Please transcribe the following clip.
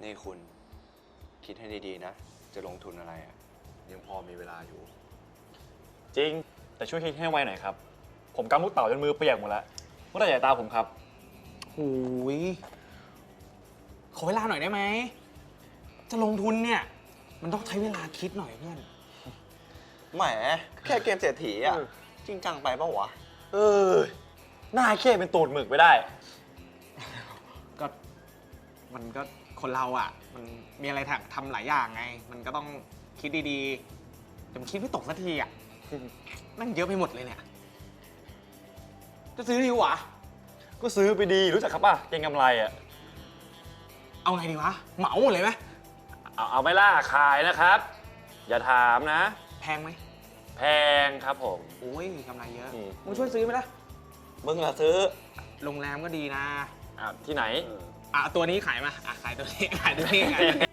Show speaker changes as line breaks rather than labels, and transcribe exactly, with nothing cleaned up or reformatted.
นี่คุณคิดให้ดีๆนะจะลงทุนอะไรอะยังพอมีเวลาอยู่
จริงแต่ช่วยคิดให้ไวหน่อยครับผมกำลูกเต่าจนมือเปียกหมดแล้วเมื่อไหร่จะตาผมครับ
หูยขอเวลาหน่อยได้ไหมจะลงทุนเนี่ยมันต้องใช้เวลาคิดหน่อยเพื่อน
แหมแค่เกมเศรษฐีอ่ะจริงจังไปปะวะ
เออหน้าเข้เป็นตูดหมึกไปได้
ก็มันก็คนเราอ่ะมันมีอะไรทำหลายอย่างไง มันก็ต้องคิดดีๆแต่มันคิดไม่ตกสักทีอ่ะนั่งเยอะไปหมดเลยเนี่ยจะซื้อดีวะ
ก็ซื้อไปดีรู้จักครับป่ะเก็งกำไรอ่ะ
เอาไงดีวะเหมาหมดเลยไหม
เอาเอาไม่ล่าขายนะครับ อย่าถามนะ
แพงไหม
แพงครับผม
โอ้ยกำไรเยอะ
อืม
มึงช่วยซื้อไหมล่ะ
มึงล่ะซื้อ
โรงแรมก็ดีนะ
อ่ะที่ไหน
อ่ะตัวนี้ขายมาอ่ะขายตัวนี้ขายตัวนี้ขายตัวนี้